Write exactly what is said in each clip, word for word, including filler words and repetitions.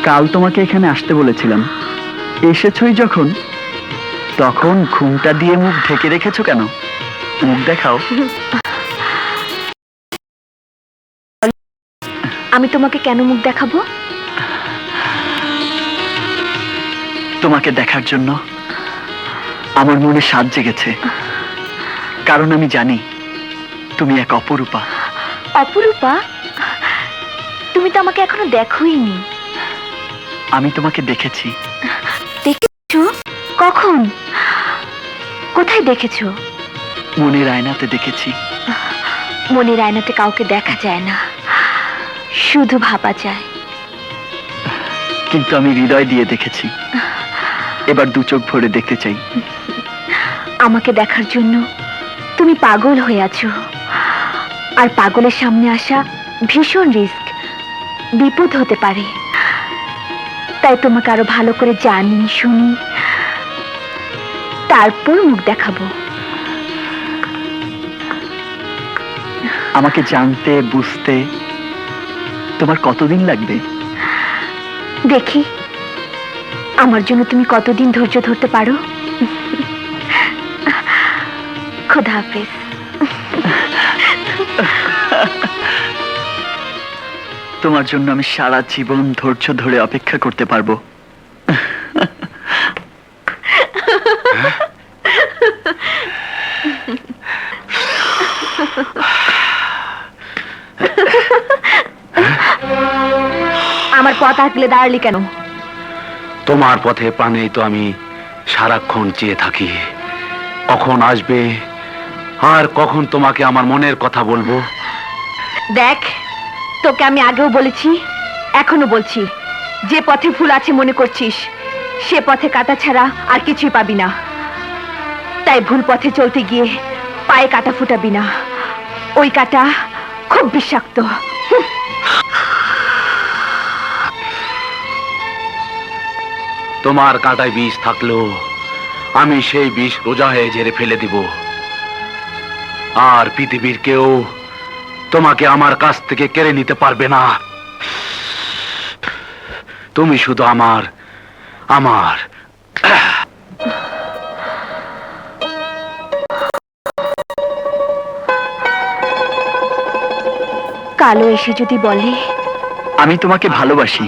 কাল তোমাকে এখানে আসতে বলেছিলাম, এসেছই যখন, তখন ঘুমটা দিয়ে মুখ ঢেকে রেখেছো কেন? মুখ দেখাও। আমি তোমাকে কেন মুখ দেখাবো? তোমাকে দেখার জন্য আমার মনে স্বাদ জেগেছে, কারণ আমি জানি তুমি এক অপরূপা। অপরূপা? তুমি তো আমাকে এখনো দেখোইনি। আমি তোমাকে দেখেছি। দেখেছো? কখন? কোথায় দেখেছো? মনের আয়নাতে দেখেছি। মনের আয়নাতে কাউকে দেখা যায় না, শুধু ভাবা যায়। কিন্তু আমি হৃদয় দিয়ে দেখেছি, এবার দু চোখ ভরে দেখতে চাই। আমাকে দেখার জন্য তুমি পাগল হয়ে আছো, আর পাগলের সামনে আসা ভীষণ রিস্ক, বিপদ হতে পারে। তাই তোমাকে আরো ভালো করে জানি শুনি, তারপর মুখ দেখাবো। আমাকে জানতে বুঝতে তোমার কতদিন লাগবে? দেখি আমার জন্য তুমি কতদিন ধৈর্য ধরতে পারো। খোদা হাফেজ। তোমার জন্য আমি সারা জীবন ধৈর্য ধরে অপেক্ষা করতে পারবো। আমার পথ আটলে দাঁড়ালি কেন? তোমার পথে প্রাণেই তো আমি সারাক্ষণ চেয়ে থাকি, কখন আসবে আর কখন তোমাকে আমার মনের কথা বলবো। দেখ, তোকে আমি আগেও বলেছি, এখনো বলছি, যে পথে ফুল আছে মনে করছিস, সে পথে কাঁটা ছাড়া আর কিছুই পাবি না। তাই ভুল পথে চলতে গিয়ে পায়ে কাঁটা ফুটাবি না, ওই কাঁটা খুব বিষাক্ত। তোমার কাঁটায় বিষ থাকলেও আমি সেই বিষ রোজা হয়ে ঝেড়ে ফেলে দিব, আর পৃথিবীর কেউ তোমাকে আমার কাছ থেকে কেড়ে নিতে পারবে না। তুমি শুধু আমার আমার কালো এসে যদি বলে আমি তোমাকে ভালোবাসি,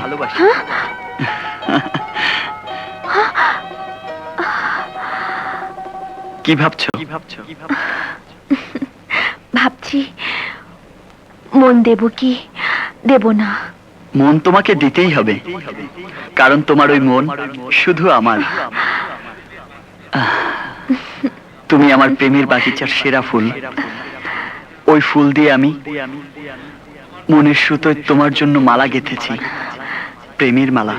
কি ভাবছো? ভাবছি মন দেব কি দেব না। মন তোমাকে দিতেই হবে, কারণ তোমার ওই মন শুধু আমার। তুমি আমার প্রেমের বাগিচার সেরা ফুল, ওই ফুল দিয়ে আমি মনের সুতোয় তোমার জন্য মালা গেঁথেছি, প্রেমের মালা।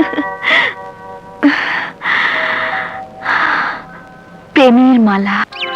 প্রেমের মালা।